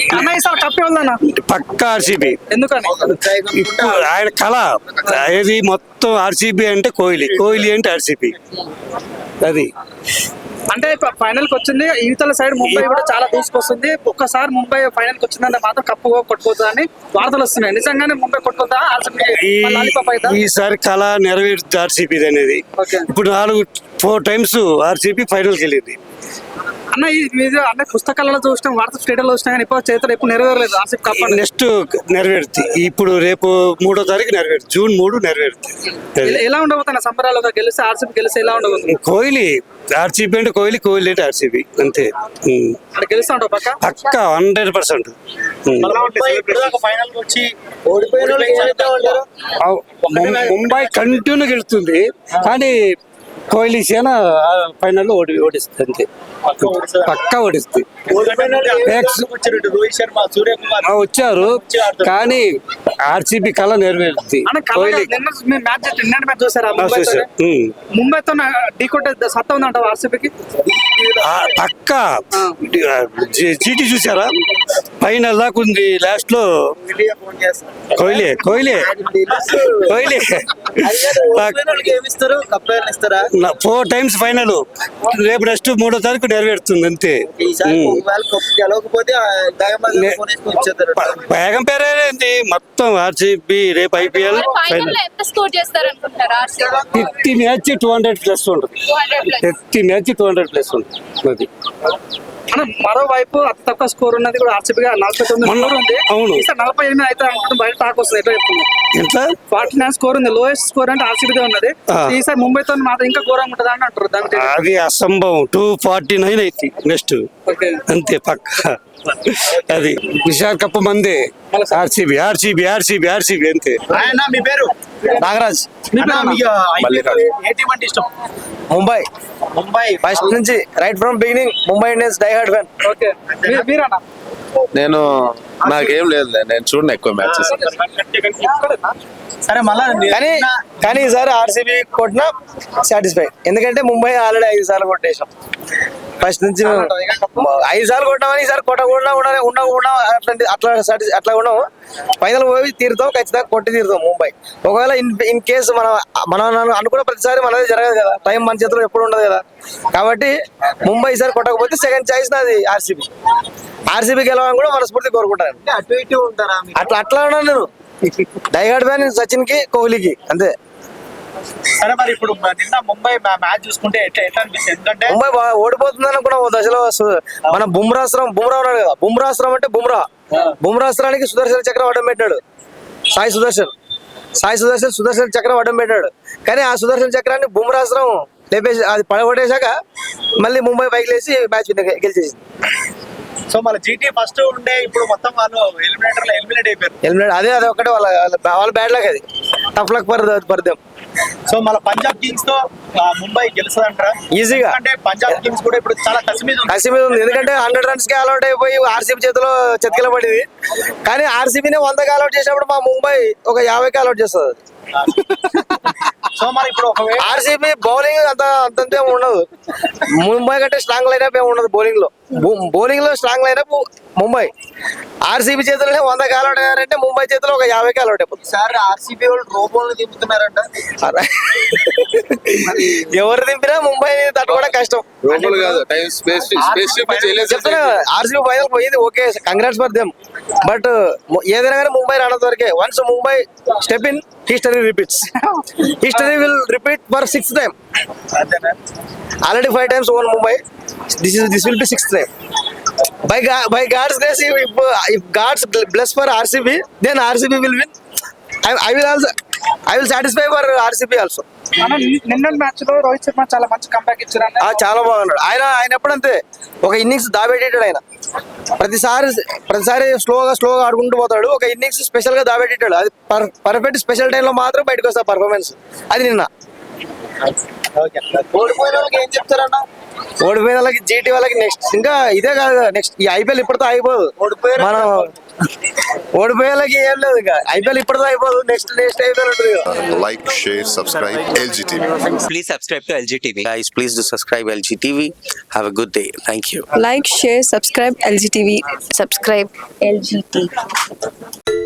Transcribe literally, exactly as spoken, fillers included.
అన్న ఈసారి కప్ ఎవరిదన్నా? పక్కా ఆర్సీబీ. ఎందుకని? ఇప్పుడు ఆయన కళ ఏది మొత్తం ఆర్సీబీ అంటే కోహ్లీ, కోహ్లీ అంటే ఆర్సీబీ. అది అంటే ఫైనల్ కి వచ్చింది ఇవతల సైడ్ ముంబై కూడా చాలా దూసుకొస్తుంది. ఒక్కసారి ముంబై ఫైనల్ కి వచ్చిందంటే మాత్రం కప్పు కొట్టుకోదా అని వార్తలు వస్తున్నాయి. నిజంగానే ముంబై కొట్టుకోదా? ఈసారి కళ నెరవేరుతుంది ఆర్సీబీ అనేది. ఇప్పుడు నాలుగు ఫోర్ టైమ్స్ ఆర్సీబీ ఫైనల్ కి వెళ్ళింది అన్న. ఇది అన్న పుస్తకాలలో చూసినాం, వార్తా స్టేడియంలో చూసినా కానీ ఇప్పుడు చేతులు ఎప్పుడు నెరవేరలేదు ఆర్సీబీ కప్. నెక్స్ట్ నెరవేరుతుంది. ఇప్పుడు రేపు మూడో తారీఖు నెరవేరుతుంది, జూన్ మూడు నెరవేరుతుంది. ఎలా ఉండబోతున్నా సంబరాలుగా గెలిస్తే ఆర్సీబీ గెలిస్తే ఎలా ఉండబోతుంది? కోహ్లీ ఆర్సీబీ అంటే కోహ్లీ, కోహ్లీ అంటే ఆర్సీబీ అంతే. గెలుస్తా ఉంటావు పక్క పక్కా హండ్రెడ్ పర్సెంట్. ముంబై కంటిన్యూ గెలుస్తుంది కానీ కోహ్లీ సేన ఫైనల్ ఓడి ఓడిస్తుంది అంతే. పక్కా ఓడిస్తుంది. వచ్చారు కానీ ఆర్సీబీ కళ నెరవేరుతుంది. ముంబైతో ఢీ కొట్టే సత్తా ఉందంట ఆర్సీబీకి పక్కా. చీటీ చూసారా? ఫైనల్ దాకా ఉంది. లాస్ట్ లో Kohli Kohli Kohli four times final. రేపు నెక్స్ట్ మూడో తారీఖు నెరవేరుతుంది అంతే. వేగం పేరేంటి మొత్తం ఆర్సీబీ రేపు IPL fifty match two hundred plus ఉంటుంది. Fifty match two hundred plus ఉంటుంది. మరోవైపు అతి తక్కువ స్కోర్ ఉన్నది కూడా ఆర్సీబీ నలభై తొమ్మిది ఉంది. అవును, నలభై ఎనిమిది అయితే అనుకుంటే బయట టాక్ వస్తుంది. ఎట్లా చెప్తుంది? ఎట్లా ఫార్టీ నైన్ స్కోర్ ఉంది. లోయెస్ట్ స్కోర్ అంటే ఆర్సీబీ ఉన్నది. ఈసారి ముంబైతో మాత్రం ఇంకా ఘోరంగా ఉంటుంది అని అంటారు. దానికి అది అసంభవం. టూ ఫార్టీ నైన్ అయితే నెక్స్ట్ అంతే పక్క. అది విశాఖపట్నం మందే ఆర్సీబీ ఆర్సీబీ ఆర్సీబీ ఆర్సీబీ అంతే. మీ పేరు? నాగరాజ్. ముంబై. ముంబై ఫస్ట్ నుంచి right from beginning Mumbai Indians die hard fan. నేను నాకేం లేదు, నేను చూడను ఎక్కువ మ్యాచెస్. సరే మళ్ళా కానీ కానీ ఈసారి ఆర్సీబీ కొట్టినా సాటిస్ఫై. ఎందుకంటే ముంబై ఆల్రెడీ ఐదు సార్లు కొట్టేసాం. ఫస్ట్ నుంచి ఐదు సార్లు కొట్టామని ఈసారి కొట్టకుండా ఉండ ఉండ అట్లా అట్లా అట్లా ఉండవు. ఫైనల్ పోయి తీరుతాం, ఖచ్చితంగా కొట్టి తీరుతాం ముంబై. ఒకవేళ ఇన్ ఇన్ కేసు మన మనం అనుకున్న ప్రతిసారి మనది జరగదు కదా, టైం మన చేతిలో ఎప్పుడు ఉండదు కదా. కాబట్టి ముంబై ఈసారి కొట్టకపోతే సెకండ్ చాయిస్ నాది ఆర్సీబీ. ఆర్సీబీ గెలవాలని కూడా మనస్ఫూర్తి కోరుకుంటాను. అటు ఇటు ఉంటారా? అట్లా అట్లా ఉన్నాను నేను. డైహార్డ్ ఫ్యాన్ సచిన్ కి, కోహ్లీకి అంతే. సరే మరి ఇప్పుడు నిన్న ముంబై మ్యాచ్ చూసుకుంటే ఎట్లా ఎట్లా అనిపిస్తుంది? ఎందుకంటే ముంబై ఓడిపోతుంది అనుకున్న ఓ దశలో మన బుమ్రాస్త్రం బుమ్రా ఉన్నాడు కదా. బుమ్రాస్త్రం అంటే బుమ్రా. బుమ్రాస్త్రానికి సుదర్శన్ చక్రం అడ్డం పెట్టాడు సాయి సుదర్శన్. సాయి సుదర్శన్ సుదర్శన్ చక్రం అడ్డం పెట్టాడు. కానీ ఆ సుదర్శన్ చక్రాన్ని బుమ్రాస్త్రం లేపేసి అది పడగొట్టేశాక మళ్ళీ ముంబై పైకి లేచి మ్యాచ్ గెలిచేసింది. సో మన జీటీ ఫస్ట్ ఉండే ఇప్పుడు మొత్తం వాళ్ళు ఎలిమినేటర్ లో ఎలిమినేట్ అయిపోయారు. ఎలిమినేట్ అదే అదే ఒకటే వాళ్ళ వాళ్ళ బ్యాడ్ లక్. అది tough luck for for them. So మన పంజాబ్ కింగ్స్ తో ముంబై గెలుస్తుంది అంటారా? ఈజీగా. అంటే పంజాబ్ కింగ్స్ కూడా ఇప్పుడు చాలా కసి మీద కసి మీద ఉంది. ఎందుకంటే హండ్రెడ్ రన్స్ కి అలౌట్ అయిపోయి ఆర్సీబీ చేతిలో చెతికిల పడింది. కానీ ఆర్సీబీనే వందకి అలౌట్ చేసినప్పుడు మా ముంబై ఒక యాభైకి అలౌట్ చేస్తుంది. సో మరి ఇప్పుడు ఆర్సీబీ బౌలింగ్ అంత అంతంతే ఉండదు. ముంబై కంటే స్ట్రాంగ్ లైనప్ ఏమి ఉండదు బౌలింగ్ లో. బౌలింగ్ లో స్ట్రాంగ్ లైనప్ ముంబై. ఆర్సీబీ చేతిలోనే వందకి అలౌట్ అయ్యారంటే ముంబై చేతిలో ఒక యాభైకి అలౌట్ అయిపోతుంది. సార్ ఆర్సీబీ వాళ్ళు రోబోలు దింపుతున్నారంట. ఎవరు దింపినా ముంబై తట్టుకోవడం కష్టం. చెప్తున్నా ఆర్సీబీ ఫైనల్ పోయింది, okay, congrats for them. But ఏదైనా కానీ ముంబై రానంత వరకే. Once Mumbai step in, history repeats. History will repeat for sixth time. Already five times won Mumbai. This is this will be sixth time. By by God's grace, if if God's bless for R C B, then R C B will win. I, I will also I will satisfy for R C B also. నిన్న match లో రోహిత్ శర్మ చాలా మంచి comeback ఇచ్చారు. చాలా బాగున్నాడు ఆయన. ఆయన ఎప్పుడంతే ఒక ఇన్నింగ్స్ దాబెట్టాడు ఆయన. ప్రతిసారి ప్రతిసారి స్లోగా స్లోగా ఆడుకుంటూ పోతాడు. ఒక ఇన్నింగ్స్ స్పెషల్ గా దాబెట్టాడు. అది పర్ఫెక్ట్ స్పెషల్ టైం లో మాత్రం బయటకు వస్తా పర్ఫార్మెన్స్. అది నిన్న ఓడిపోయిన వాళ్ళకి ఏం చెప్తారన్నా? ఓడిపోయిన వాళ్ళకి జీటీ వాళ్ళకి నెక్స్ట్ ఇంకా ఇదే కాదు నెక్స్ట్ ఈ ఐపీఎల్ ఇప్పటితో అయిపోదు మనం ఓడిపోయే వాళ్ళకి ఏం లేదు ఇక ఐపీఎల్ ఇప్పటితో అయిపోదు నెక్స్ట్ నెక్స్ట్ ఐపీఎల్ ఉంటుంది ఇక. Like, share, subscribe L G T V. Please subscribe to L G T V. Guys, please do subscribe L G T V. Have a good day. Thank you. Like, share, subscribe L G T V. Subscribe L G T V.